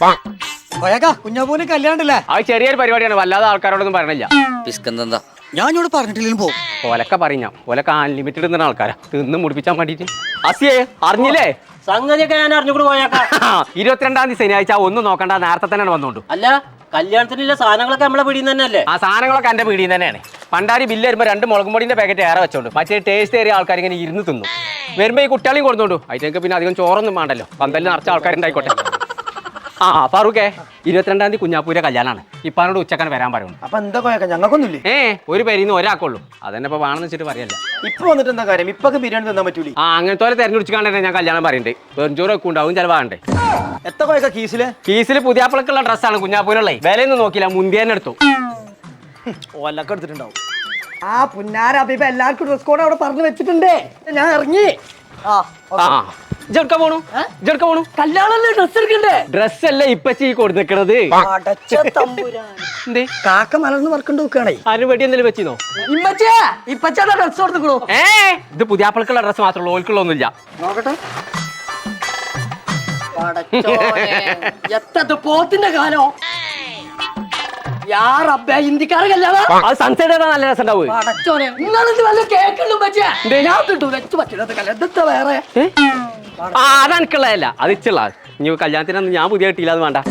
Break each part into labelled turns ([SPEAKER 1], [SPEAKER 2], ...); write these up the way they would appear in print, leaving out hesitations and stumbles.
[SPEAKER 1] കുഞ്ഞാപ്പൂന് കല്യാണല്ലേ?
[SPEAKER 2] അത് ചെറിയൊരു പരിപാടിയാണ്, വല്ലാതെ ആൾക്കാരോടൊന്നും പറയണില്ല.
[SPEAKER 3] പിസ്കന്താ
[SPEAKER 1] ഞാൻ ഇവിടെ പറഞ്ഞിട്ടില്ലെങ്കിലും പോകും.
[SPEAKER 2] ഓലൊക്കെ പറഞ്ഞ ഓലൊക്കെ അൺലിമിറ്റഡ് ഇടുന്ന ആൾക്കാരാ തിന്ന് മുടിപ്പിച്ചാൻ വേണ്ടിട്ട്. അസിയേ അറിഞ്ഞില്ലേ?
[SPEAKER 4] സംഗതിയൊക്കെ ഞാൻ അറിഞ്ഞുകൂടി പോയേക്കാം.
[SPEAKER 2] 22-ാം തീയതി ശനിയാഴ്ച ഒന്നും നോക്കണ്ട, നേരത്തെ തന്നെ വന്നോണ്ടു.
[SPEAKER 4] അല്ല, കല്യാണത്തിനുള്ള സാധനങ്ങളൊക്കെ നമ്മളെ പിടിയിൽ തന്നെയല്ലേ?
[SPEAKER 2] ആ സാധനങ്ങളൊക്കെ എന്റെ പീടിയിൽ തന്നെയാണ്. പണ്ടാരി ബില്ല് വരുമ്പോൾ 2 മുളകും പൊടിന്റെ പാക്കറ്റ് ഏറെ വെച്ചോണ്ട് മറ്റേ ടേസ്റ്റ് ഏറിയ ആൾക്കാർ ഇങ്ങനെ ഇരുന്ന് തിന്നു. വരുമ്പോ ഈ കുട്ടികളെയും കൊടുത്തോണ്ടു. അതിനൊക്കെ പിന്നെ അധികം ചോറൊന്നും വേണ്ടല്ലോ, പന്തലിൽ നിറച്ച ആൾക്കാരുണ്ടായിക്കോട്ടെ. ആ ഫാറൂഖേ, 22-ാം തീയതി കുഞ്ഞാപ്പൂരെ കല്യാണാണ്. ഇപ്പാനോട് ഉച്ചക്കാൻ വരാൻ പറയുന്നു.
[SPEAKER 1] അപ്പൊ എന്താ കൊയക്ക? ഞങ്ങൾക്കൊന്നുമില്ലേ?
[SPEAKER 2] ഒരു പേരിന്ന് ഒരാൾക്കുള്ളൂ. അതന്നെ ഇപ്പൊ വേണമെന്ന് വെച്ചിട്ട് പറയല്ല.
[SPEAKER 1] ഇപ്പൊ വന്നിട്ട് എന്താ കാര്യം? ഇപ്പൊക്കെ ബിരിയാണി തന്നാൻ പറ്റൂലേ?
[SPEAKER 2] അങ്ങനത്തെ തെരഞ്ഞെടുക്കാണ്ടേ ഞാൻ കല്യാണം പറയുന്നുണ്ട്. വെറുംചോറ് ഒക്കെ ഉണ്ടാവും ചിലവാകണ്ടേ.
[SPEAKER 1] എത്ര കൊയക്ക കീസില്?
[SPEAKER 2] കീസിൽ പുതിയാപ്പിളക്കുള്ള ഡ്രസ്സാണ് കുഞ്ഞാപ്പൂരുള്ളേ. വിലയൊന്നും നോക്കില്ല, മുന്തിയെന്നെ എടുത്തു.
[SPEAKER 1] ഓലൊക്കെ എടുത്തിട്ടുണ്ടാവും. ആ പുന്നാര അഭിപ എല്ലാവർക്കും ഡ്രസ് കോഡ് അവിടെ പറഞ്ഞു വെച്ചിട്ടുണ്ട്. ഞാൻ ഇറങ്ങി.
[SPEAKER 2] ജെടുക്ക പോണു
[SPEAKER 1] കല്യാണല്ലേ ഡ്രസ് എടുക്കണ്ടേ?
[SPEAKER 2] ഡ്രസ് അല്ലേ ഇപ്പച്ചി കൊടുത്തിക്കണത്. എന്തേ
[SPEAKER 1] കാക്ക മലർന്ന് വർക്കൊണ്ട് നോക്കുകയാണേ.
[SPEAKER 2] ആരും വെടി എന്തെങ്കിലും വെച്ചിന്നോ?
[SPEAKER 1] ഇപ്പച്ചാ ഡ്രസ് കൊടുത്തിക്കണോ?
[SPEAKER 2] ഇത് പുതിയാപ്പിളക്കുള്ള ഡ്രസ് മാത്രമേ ഉള്ളൂ, ഓൽക്കുള്ള ഒന്നുമില്ല.
[SPEAKER 1] നോക്കട്ടെ. എത്ര പോത്തിന്റെ കാലോ ഇന്ത്യക്കാരെ കല്യാണം.
[SPEAKER 2] അത് സൺസെറ്റ് നല്ല രസം ഉണ്ടാവും.
[SPEAKER 1] വേറെ
[SPEAKER 2] അതെനിക്കുള്ളതല്ല, അത് ഇച്ചുള്ള. ഇനി കല്യാണത്തിനൊന്നും ഞാൻ പുതിയ കിട്ടിയില്ല, അത് വേണ്ട.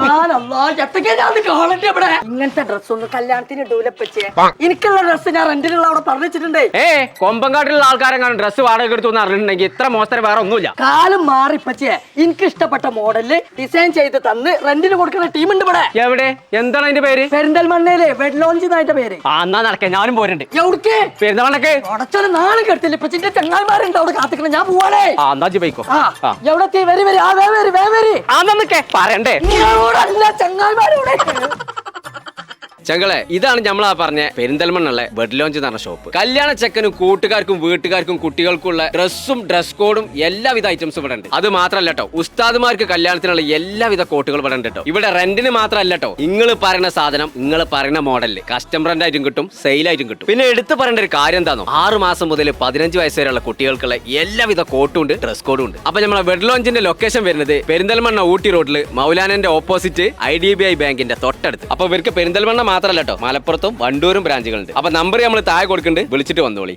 [SPEAKER 1] ഇങ്ങനത്തെ ഡ്രസ് ഒന്നും കല്യാണത്തിന് ഇടൂലപ്പച്ചേ. എനിക്കുള്ള ഡ്രസ് ഞാൻ റെന്റിനുള്ള അവിടെ പറഞ്ഞിട്ടുണ്ടേ.
[SPEAKER 2] കൊമ്പങ്കാട്ടിലുള്ള ആൾക്കാരെങ്ങാനും ഡ്രസ് വാടക എടുത്തു അറിഞ്ഞിട്ടുണ്ടെങ്കിൽ ഇത്ര മോശം വേറെ ഒന്നുമില്ല.
[SPEAKER 1] കാലം മാറിപ്പച്ചേ. എനിക്ക് ഇഷ്ടപ്പെട്ട മോഡലില് ഡിസൈൻ ചെയ്ത് തന്ന് റെന്റിന് കൊടുക്കുന്ന ടീമുണ്ട് ഇവിടെ.
[SPEAKER 2] എവിടെ? എന്താണ് അതിന്റെ പേര്?
[SPEAKER 1] പെരിന്തൽമണ്ണയില് വെഡ് ലോഞ്ച് എന്നായിട്ട് പേര്.
[SPEAKER 2] എന്നാ നടക്കേ, ഞാനും പോരുന്നുണ്ട്.
[SPEAKER 1] എവിടേക്ക്?
[SPEAKER 2] പെരുന്തൽമണ്ണക്ക്.
[SPEAKER 1] ഉടച്ചോലെ നാളെ കെടുത്തില്ല. ഇപ്പച്ചിന്റെ ചങ്ങായിമാരുണ്ട് അവിടെ കാത്തിക്കണം. ഞാൻ പോവാണേ.
[SPEAKER 2] എന്നാ പോയിക്കോ.
[SPEAKER 1] എവിടെത്തി? വരി വരി.
[SPEAKER 2] പറയണ്ടേ
[SPEAKER 1] ചങ്ങായിമാരോടെ.
[SPEAKER 2] ചങ്ങളെ, ഇതാണ് നമ്മളാ പറഞ്ഞ പെരിന്തൽമണ്ണുള്ള ബെഡ് ലോഞ്ച് എന്ന് പറഞ്ഞ ഷോപ്പ്. കല്യാണ ചെക്കനും കൂട്ടുകാർക്കും വീട്ടുകാർക്കും കുട്ടികൾക്കുള്ള ഡ്രസ്സും ഡ്രസ് കോഡും എല്ലാവിധ ഐറ്റംസും ഇവിടെ ഉണ്ട്. അത് മാത്രമല്ല കേട്ടോ, ഉസ്താദുമാർക്ക് കല്യാണത്തിനുള്ള എല്ലാവിധ കോട്ടുകൾ ഇവിടെ ഉണ്ട് കേട്ടോ. ഇവിടെ റെന്റിന് മാത്രമല്ല കേട്ടോ, നിങ്ങൾ പറയുന്ന സാധനം നിങ്ങൾ പറയുന്ന മോഡലിൽ കസ്റ്റം റെന്റ് ആയിട്ടും കിട്ടും, സെയിലായിട്ടും കിട്ടും. പിന്നെ എടുത്തു പറയേണ്ട ഒരു കാര്യം എന്താണോ, 6 മാസം മുതൽ 15 വയസ്സ് വരെയുള്ള കുട്ടികൾക്കുള്ള എല്ലാവിധ കോട്ടും ഉണ്ട്, ഡ്രസ് കോഡും ഉണ്ട്. അപ്പൊ നമ്മളെ ബെഡ് ലോഞ്ചിന്റെ ലൊക്കേഷൻ വരുന്നത് പെരിന്തൽമണ്ണ ഊട്ടി റോഡിൽ മൗലാനന്റെ ഓപ്പോസിറ്റ് IDBI ബാങ്കിന്റെ തൊട്ടടുത്ത്. അപ്പൊ ഇവർക്ക് പെരിന്തൽമണ്ണ മാത്രമല്ല കേട്ടോ, മലപ്പുറത്തും വണ്ടൂരും ബ്രാഞ്ചുകളുണ്ട്. അപ്പൊ നമ്പർ നമ്മൾ താഴെ കൊടുക്കുന്നുണ്ട്, വിളിച്ചിട്ട് വന്നോളി.